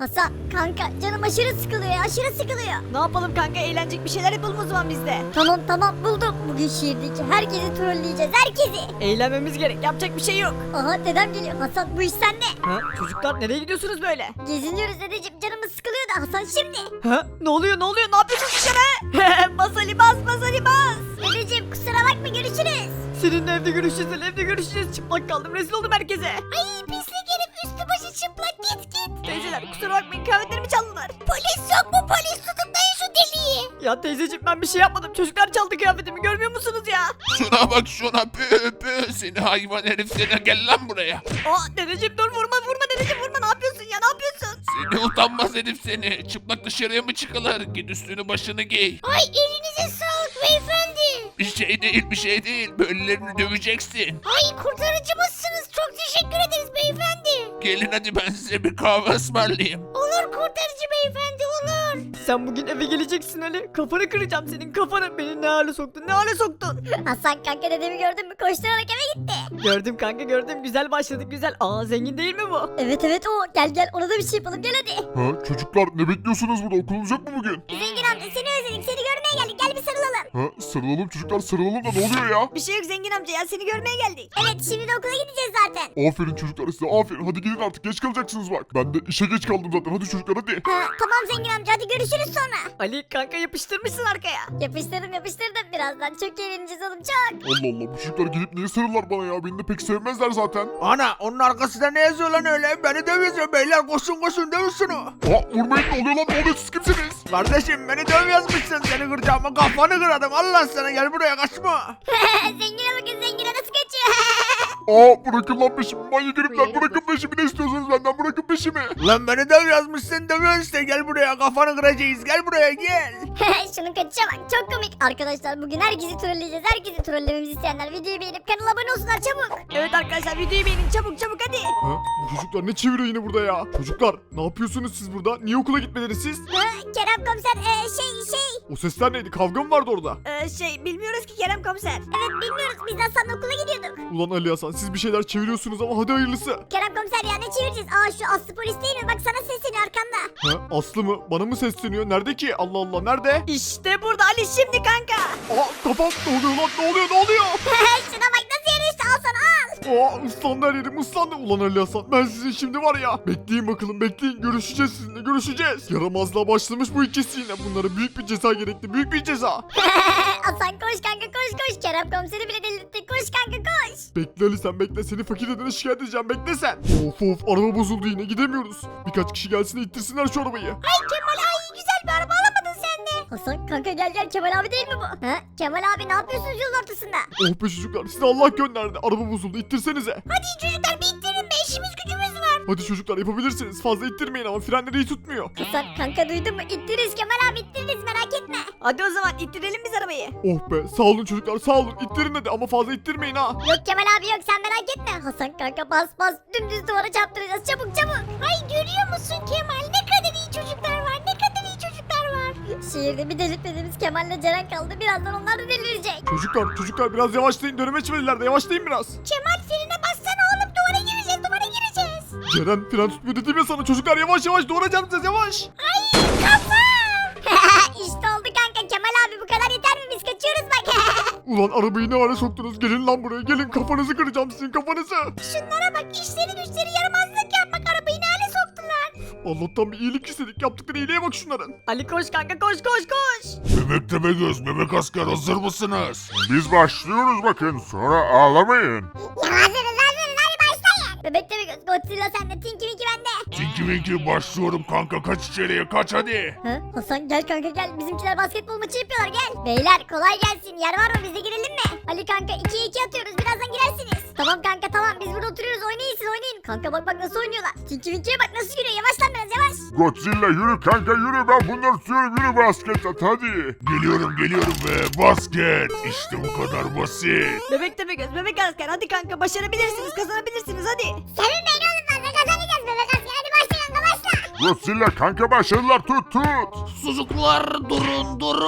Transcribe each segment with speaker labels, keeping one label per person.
Speaker 1: Hasan kanka canım aşırı sıkılıyor ya, aşırı sıkılıyor.
Speaker 2: Ne yapalım kanka, eğlenecek bir şeyler yapalım o zaman biz de.
Speaker 1: Tamam buldum. Bugün şehirdeki herkesi trolleyeceğiz, herkesi.
Speaker 2: Eğlenmemiz gerek, yapacak bir şey yok.
Speaker 1: Aha dedem geliyor. Hasan bu iş sende.
Speaker 2: Ha, çocuklar nereye gidiyorsunuz böyle?
Speaker 1: Geziniyoruz dedeciğim, canımız sıkılıyor da Hasan şimdi.
Speaker 2: Ha, ne oluyor ne yapıyorsun dışarı? Bas Ali bas, bas Ali bas.
Speaker 1: Dedeciğim kusura bakma, görüşürüz.
Speaker 2: Seninle evde görüşeceğiz Ali, evde görüşeceğiz. Çıplak kaldım, rezil oldum herkese.
Speaker 1: Ay pislik herif, üstü başı çıplak, git.
Speaker 2: Teyzeler kusura bakmayın, kıyafetlerimi çaldılar.
Speaker 1: Polis yok mu, polis tutuklayın şu deliği.
Speaker 2: Ya teyzeciğim ben bir şey yapmadım, çocuklar çaldı kıyafetimi, görmüyor musunuz ya?
Speaker 3: Şuna bak şuna, pü seni hayvan herif, seni gel lan buraya.
Speaker 2: Aa dedeciğim dur, vurma dedeciğim, vurma, ne yapıyorsun ya, ne yapıyorsun?
Speaker 3: Seni utanmaz herif seni. Çıplak dışarıya mı çıkılır? Git üstünü başını giy.
Speaker 1: Ay elinize sağlık beyefendi.
Speaker 3: Bir şey değil. Böylelerini döveceksin.
Speaker 1: Ay kurtarıcımızsınız, çok teşekkür ederiz beyefendi.
Speaker 3: Gelin hadi ben size bir kahve ısmarlayayım.
Speaker 1: Olur kurtarıcı beyefendi, olur.
Speaker 2: Sen bugün eve geleceksin Ali, kafanı kıracağım senin kafanı. Beni ne hale soktun.
Speaker 1: Hasan kanka dedemi gördün mü, koşturarak eve gitti.
Speaker 2: Gördüm kanka gördüm, güzel başladık güzel. Aa zengin değil mi bu?
Speaker 1: Evet o, gel ona da bir şey yapalım, gel hadi.
Speaker 4: Ha çocuklar ne bekliyorsunuz burada, okulunuz yok mu bugün?
Speaker 1: Zengin amca seni özledik, seni görmeye geldik, gel bir sarılalım.
Speaker 4: Ha sarılalım çocuklar, sarılalım da ne oluyor ya?
Speaker 2: Bir şey yok zengin amca ya, seni görmeye geldik.
Speaker 1: Evet şimdi de okula gideceğiz zaten.
Speaker 4: Aferin çocuklar size, aferin, hadi gidin artık, geç kalacaksınız bak. Ben de işe geç kaldım zaten, hadi çocuklar hadi.
Speaker 1: Ha, tamam zengin amca, hadi görüşürüz sonra.
Speaker 2: Ali kanka yapıştırmışsın arkaya.
Speaker 1: Yapıştırdım, birazdan çok eğleneceğiz oğlum, çok.
Speaker 4: Allah Allah, bu çocuklar gelip niye sarılırlar bana ya, beni de pek sevmezler zaten.
Speaker 3: Ana onun arkasında ne yazıyor lan öyle? Beni dövüyorsun beyler, koşun dövün şunu.
Speaker 4: Aa vurmayın, ne oluyor lan, ne oluyor, siz kimsiniz?
Speaker 3: Kardeşim beni döv yazmışsın, seni kıracağım, kafanı kırarım. Allah sana, gel buraya, kaçma.
Speaker 1: Zengine bakın, zengine nasıl kaçıyor.
Speaker 4: Aa bırakın lan peşimi, manyak herifler, bırakın peşimi, ne istiyorsunuz benden, bırakın peşimi.
Speaker 3: Lan beni döv yazmışsın, dövüyorsun işte, gel buraya, kafanı kıracağız, gel buraya gel.
Speaker 1: Şunun kaçışa bak, çok komik. Arkadaşlar bugün herkesi trolleyeceğiz, herkesi trollememizi isteyenler videoyu beğenip kanala abone olsunlar çabuk.
Speaker 2: Evet arkadaşlar videoyu beğenin, çabuk hadi.
Speaker 4: Ha bu çocuklar ne çeviriyor yine burada ya? Çocuklar ne yapıyorsunuz siz burada, niye okula gitmediniz siz?
Speaker 1: Kerem komiser şey.
Speaker 4: O sesler neydi, kavga mı vardı orada?
Speaker 2: Bilmiyoruz ki Kerem komiser.
Speaker 1: Evet bilmiyoruz, biz Hasan'la okula gidiyorduk.
Speaker 4: Ulan Ali Hasan, siz bir şeyler çeviriyorsunuz ama hadi hayırlısı.
Speaker 1: Kerem komiser ya, ne çevireceğiz? Aa şu Aslı polis değil mi? Bak sana sesleniyor arkanda.
Speaker 4: Ha Aslı mı, bana mı sesleniyor, nerede ki? Allah Allah, nerede?
Speaker 2: İşte burada Ali, şimdi kanka.
Speaker 4: Aa kafam, ne oluyor lan, ne oluyor?
Speaker 1: Şuna bak nasıl yarıştı, al sana al.
Speaker 4: Aa ıslandı her yerim, ıslandı. Ulan Ali Hasan, ben sizin şimdi var ya. Bekleyin bakalım, bekleyin, görüşeceğiz sizinle, görüşeceğiz. Yaramazlığa başlamış bu ikisi yine. Bunlara büyük bir ceza gerekli, büyük bir ceza.
Speaker 1: Hasan koş kanka koş. Kerem komiseri bile delirttik, koş kanka koş.
Speaker 4: Bekle Ali, sen bekle, seni fakir dedene şikayet edeceğim, bekle sen. Of araba bozuldu yine, gidemiyoruz. Birkaç kişi gelsin de ittirsinler şu arabayı.
Speaker 1: Ay Kemal, ay güzel bir araba alamadın sen de. Hasan kanka gel, Kemal abi değil mi bu? Ha? Kemal abi ne yapıyorsunuz yolun ortasında?
Speaker 4: Oh be çocuklar, size Allah gönderdi, araba bozuldu, ittirsenize.
Speaker 1: Hadi çocuklar bir ittirin be, işimiz gücümüz var.
Speaker 4: Hadi çocuklar yapabilirsiniz, fazla ittirmeyin ama frenleri iyi tutmuyor.
Speaker 1: Hasan kanka duydun mu? İttiririz Kemal abi, ittiririz, merak etme.
Speaker 2: Hadi o zaman ittirelim biz arabayı.
Speaker 4: Oh be, sağ olun çocuklar, sağ olun, ittirin hadi ama fazla ittirmeyin ha.
Speaker 1: Yok Kemal abi yok, sen merak etme. Hasan kanka bas dümdüz duvara çarptıracağız, çabuk. Ay görüyor musun Kemal, ne kadar iyi çocuklar var, ne kadar iyi çocuklar var. Şehirde bir delirtmediğimiz Kemal'le Ceren kaldı, birazdan onlar da delirecek.
Speaker 4: Çocuklar biraz yavaşlayın, döneme çevirirler de yavaşlayın biraz.
Speaker 1: Kemal frene bassana oğlum, duvara gireceğiz.
Speaker 4: Ceren fren tutmuyor dedim ya sana, çocuklar yavaş duvara çarpacağız, yavaş.
Speaker 1: Ay kafam. İşte oldu kanka, Kemal abi bu kadar yeter mi, biz kaçıyoruz bak.
Speaker 4: Ulan arabayı ne hale soktunuz, gelin lan buraya, gelin, kafanızı kıracağım sizin, kafanızı.
Speaker 1: Şunlara bak, işleri güçleri yaramazlık yapmak, arabayı ne hale soktular.
Speaker 4: Allah'tan bir iyilik istedik, yaptıkları iyiliğe bak şunların.
Speaker 2: Ali koş kanka koş.
Speaker 4: Bebek Tepegöz, bebek asker, hazır mısınız? Biz başlıyoruz bakın, sonra ağlamayın.
Speaker 1: Ya hazırız, hadi başlayın. Bebek de bir göz, Godzilla sende, Tinky Winky bende.
Speaker 4: Tinky Winky başlıyorum kanka, kaç içeriye, kaç hadi.
Speaker 1: Ha? Hasan gel kanka gel, bizimkiler basketbol maçı yapıyorlar, gel. Beyler kolay gelsin, yer var mı, biz de girelim mi? Ali kanka 2'ye 2 atıyoruz, birazdan girersiniz. Tamam kanka tamam, biz burada oturuyoruz, oynayın siz oynayın. Kanka bak nasıl oynuyorlar. Tinky Winky'ye bak nasıl yürüyor, yavaş lan biraz yavaş.
Speaker 4: Godzilla yürü kanka yürü, ben bunları tutuyorum, yürü basket at hadi. Geliyorum ve basket, işte bu kadar basit.
Speaker 2: Bebek tepe göz, bebek asker, hadi kanka başarabilirsiniz, kazanabilirsiniz hadi.
Speaker 1: Sevinmeyin oğlum, fazla kazanacağız bebek asker, hadi başla kanka başla.
Speaker 4: Godzilla kanka başarılar, tut.
Speaker 3: Çocuklar durun.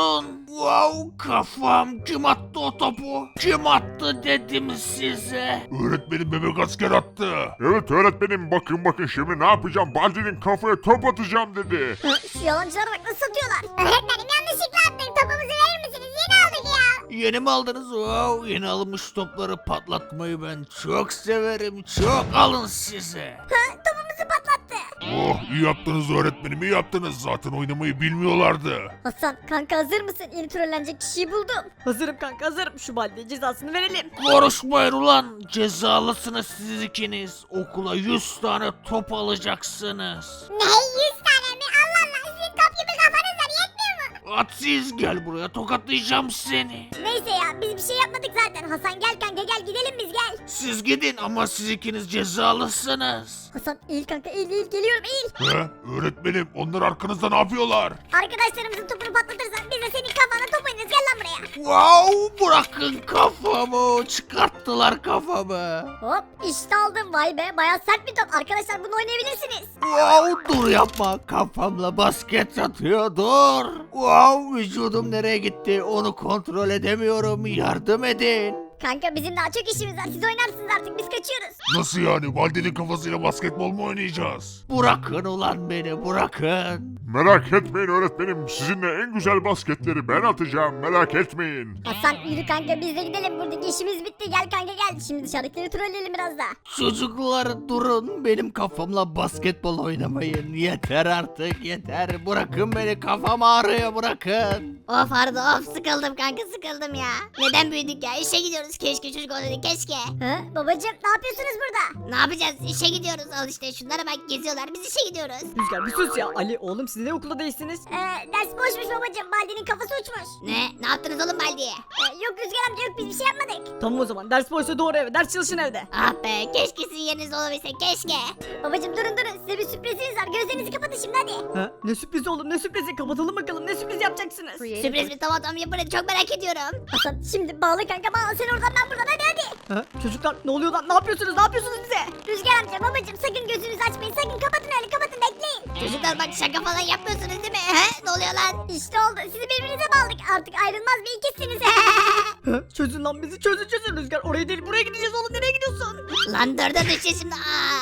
Speaker 3: Wow, kafam. Kim attı o topu? Kim attı dedim size. Öğretmenim bebek asker attı.
Speaker 4: Evet öğretmenim bakın şimdi ne yapacağım? Baldi'nin kafaya top atacağım dedi.
Speaker 1: Şu yalancılara bak nasıl satıyorlar. Öğretmenim yanlışlıkla attık. Topumuzu verir misiniz? Yeni aldık ya.
Speaker 3: Yeni mi aldınız? Wow, yeni alınmış topları patlatmayı ben çok severim. Çok alın size.
Speaker 1: Topumuzu patlattı.
Speaker 3: Oh, iyi yaptınız öğretmenim, iyi yaptınız. Zaten oynamayı bilmiyorlardı.
Speaker 1: Hasan kanka hazır mısın? Yeni trollenecek kişiyi buldum.
Speaker 2: Hazırım kanka hazırım. Şu Baldi'ye cezasını verelim.
Speaker 3: Konuşmayın ulan. Cezalısınız siz ikiniz. Okula 100 tane top alacaksınız.
Speaker 1: Ne 100 tane mi? Allah Allah sizin top gibi kafanız var yetmiyor mu?
Speaker 3: Atsiz gel buraya, tokatlayacağım seni.
Speaker 1: Neyse ya biz bir şey yapmadık zaten. Hasan gel kanka gel gidelim biz gel.
Speaker 3: Siz gidin ama siz ikiniz cezalısınız.
Speaker 1: Hasan eğil kanka eğil geliyorum eğil.
Speaker 3: He? Öğretmenim, onlar arkanızda ne yapıyorlar?
Speaker 1: Arkadaşlarımızın topunu patlatırsan biz de senin kafana top oynarız gel lan buraya.
Speaker 3: Wow, bırakın kafamı. Çıkarttılar kafamı.
Speaker 1: Hop işte aldım vay be baya sert bir top. Arkadaşlar bunu oynayabilirsiniz.
Speaker 3: Wow, dur yapma. Kafamla basket atıyor, dur. Wow, vücudum nereye gitti? Onu kontrol edemiyorum. Yardım edin.
Speaker 1: Kanka bizim daha çok işimiz var. Siz oynarsınız artık biz kaçıyoruz.
Speaker 3: Nasıl yani? Valde'nin kafasıyla basketbol mu oynayacağız? Bırakın ulan beni, bırakın.
Speaker 4: Merak etmeyin öğretmenim sizinle en güzel basketleri ben atacağım merak etmeyin.
Speaker 1: Hasan yürü kanka biz de gidelim. Buradaki işimiz bitti. Gel kanka gel. Şimdi dışarıdakileri trolleyelim biraz daha.
Speaker 3: Çocuklar durun, benim kafamla basketbol oynamayın. Yeter artık, yeter. Bırakın beni, kafam ağrıyor, bırakın.
Speaker 1: Of Arda of sıkıldım kanka sıkıldım ya. Neden büyüdük ya işe gidiyoruz keşke çocuk olsaydık keşke. Hı babacım ne yapıyorsunuz burada? Ne yapacağız işe gidiyoruz al işte şunlara bak geziyorlar biz işe gidiyoruz.
Speaker 2: Rüzgar bir sus ya. Ali oğlum siz ne okulda değilsiniz?
Speaker 1: Ders boşmuş babacım Baldi'nin kafası uçmuş. Ne yaptınız oğlum Baldi'ye? Yok Rüzgar amca yok biz bir şey yapmadık.
Speaker 2: Tamam o zaman ders boşsa doğru eve. Ders çalışın evde.
Speaker 1: Ah be keşke sizin yerinizde olabilse keşke. Babacım durun size bir sürpriziniz var gözlerinizi kapatın şimdi hadi.
Speaker 2: Ha? Ne sürprizi oğlum ne sürprizi? Kapatalım bakalım ne sürpriz yapacaksınız?
Speaker 1: Sürpriz mi tamam yapın hadi çok merak ediyorum. Hasan şimdi bağla kanka bağla sen oradan ben buradan hadi.
Speaker 2: Ha? Çocuklar ne oluyor lan? Ne yapıyorsunuz? Ne yapıyorsunuz bize?
Speaker 1: Rüzgar amca babacım sakın gözünüzü açmayın sakın kapatın öyle kapatın bekleyin. Çocuklar bak şaka falan yapmıyorsunuz değil mi? Ne oluyor lan? İşte oldu sizi birbirinize bağladık artık ayrılmaz bir ikisiniz.
Speaker 2: Ha? Çözün lan bizi çözün Rüzgar. Oraya değil buraya gideceğiz oğlum. Nereye gidiyorsun?
Speaker 1: Lan dörde düşeceğiz şimdi.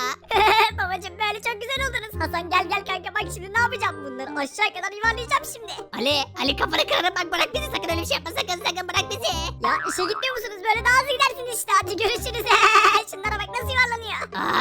Speaker 1: Babacım böyle çok güzel oldunuz. Hasan gel kanka bak şimdi ne yapacağım bunları aşağı kadar yuvarlayacağım şimdi. Ali kafanı kırarım bak bırak bizi sakın öyle bir şey yapma sakın bırak bizi. Ya işe gitmiyor musunuz böyle daha hızlı gidersiniz işte hadi görüşürüz. Şunlara bak nasıl yuvarlanıyor.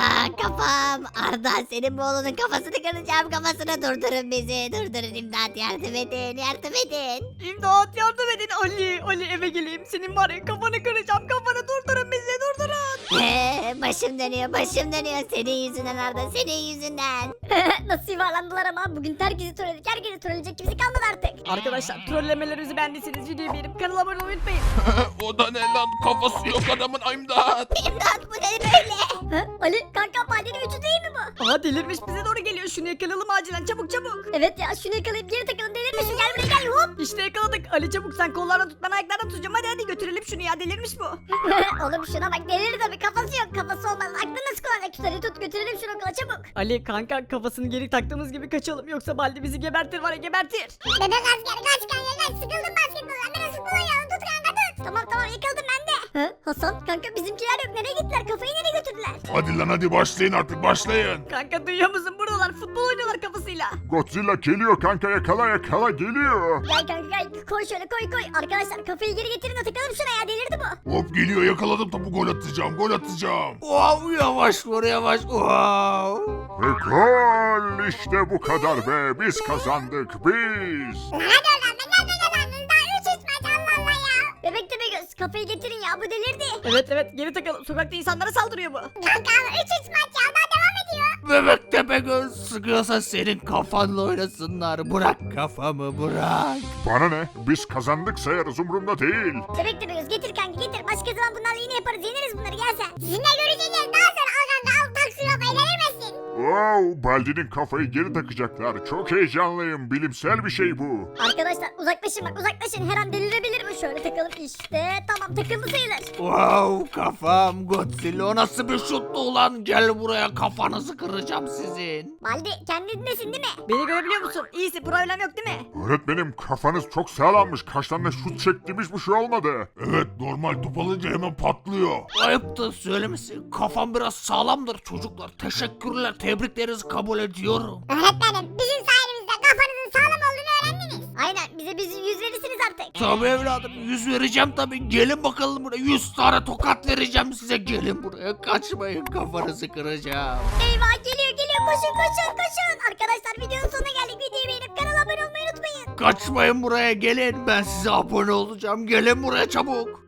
Speaker 1: Kafam Arda senin bu oğlunun kafasını kıracağım kafasını durdurun bizi durdurun imdat yardım edin.
Speaker 2: İmdat yardım edin Ali eve geleyim. Senin var ya kafanı kıracağım. Kafanı durdurun bizi durdurun.
Speaker 1: Başım dönüyor senin yüzünden Arda senin yüzünden. Nasıl yuvarlandılar ama bugün herkesi trolledik herkesi trolleyecek kimse kalmadı artık.
Speaker 2: Arkadaşlar trollemelerimizi beğendiyseniz videoyu beğenip kanala abone olmayı unutmayın.
Speaker 3: O da ne lan? Kafası yok adamın, imdat.
Speaker 1: İmdat bu ne böyle? Ali kanka Baldi'nin vücudu değil mi bu?
Speaker 2: Aha delirmiş bize doğru geliyor. Şunu yakalayalım acilen çabuk.
Speaker 1: Evet ya şunu yakalayıp geri takalım delirmiş gel buraya gel hop.
Speaker 2: İşte yakaladık. Ali çabuk sen kollardan tut ben ayaklardan tutacağım. Hadi götürelim şunu ya delirmiş bu.
Speaker 1: Oğlum şuna bak delir tabii kafası yok kafası olmaz aklını nasıl kullanacak tutarı tut götürelim şunu okula çabuk.
Speaker 2: Ali kanka kafasını geri taktığımız gibi kaçalım. Yoksa Baldi bizi gebertir var ya gebertir.
Speaker 1: Bebek asker kaç kanka kaç sıkıldım basketboldan biraz futbol oynayalım tut kanka tut. Tamam yakaladım ben de. Hasan kanka bizimkiler yok nereye gittiler kafayı nereye götürdüler?
Speaker 3: Hadi lan hadi başlayın artık, başlayın.
Speaker 2: Kanka duyuyor musun? Buradalar futbol oynuyorlar kafasıyla.
Speaker 4: Godzilla geliyor kanka yakala geliyor.
Speaker 1: Gel kanka gel koy şöyle koy. Arkadaşlar kafayı geri getirin de takalım şuna ya delirdi bu.
Speaker 3: Hop geliyor, yakaladım topu, gol atacağım. Wow, yavaş vur yavaş. Wow.
Speaker 4: Ve gol işte bu kadar be biz kazandık biz.
Speaker 1: Hadi oradan ben nerede kazandınız daha 3 maç Allah Allah ya. Bebek Tepegöz kafayı getirin ya bu delirdi.
Speaker 2: Evet geri takalım. Sokakta insanlara saldırıyor bu.
Speaker 1: Kanka 3 maç ya daha devam ediyor.
Speaker 3: Bebek Tepegöz, sıkıyorsa senin kafanla oynasınlar. Bırak kafamı, bırak.
Speaker 4: Bana ne biz kazandık sayarız umurumda değil.
Speaker 1: Bebek Tepegöz getir kanka getir. Başka zaman bunlarla yine yaparız yeneriz bunları gel sen. Sizinle görüşeceğiz daha sonra al kanka al tak şuna bayılır mısın?
Speaker 5: Wow, Baldi'nin kafayı geri takacaklar. Çok heyecanlıyım. Bilimsel bir şey bu.
Speaker 1: Arkadaşlar uzaklaşın bak uzaklaşın. Her an delirebilir bu. Şöyle takalım işte. Tamam takıldı sayılır.
Speaker 3: Wow kafam Godzilla o nasıl bir şuttu ulan gel buraya kafanızı kıracağım sizin.
Speaker 1: Baldi kendindesin değil mi?
Speaker 2: Beni görebiliyor musun? İyisi problem yok değil mi?
Speaker 5: Öğretmenim kafanız çok sağlammış. Kaç tane şut çektiğimiz bir şey olmadı.
Speaker 3: Evet normal top alınca hemen patlıyor. Ayıptır söylemesi kafam biraz sağlamdır çocuklar teşekkürler tebriklerinizi kabul ediyorum.
Speaker 1: Öğretmenim bizim sayenizde kafanızın sağlam olduğunu öğrendiniz. Aynen bize yüz verirsiniz artık.
Speaker 3: Tabii evladım 100 vereceğim tabii gelin bakalım buraya 100 tane tokat vereceğim size gelin buraya kaçmayın kafanızı kıracağım.
Speaker 1: Eyvah geliyor koşun. Arkadaşlar videonun sonuna geldik. Videoyu beğenip kanala abone olmayı unutmayın.
Speaker 3: Kaçmayın buraya gelin ben size abone olacağım gelin buraya çabuk.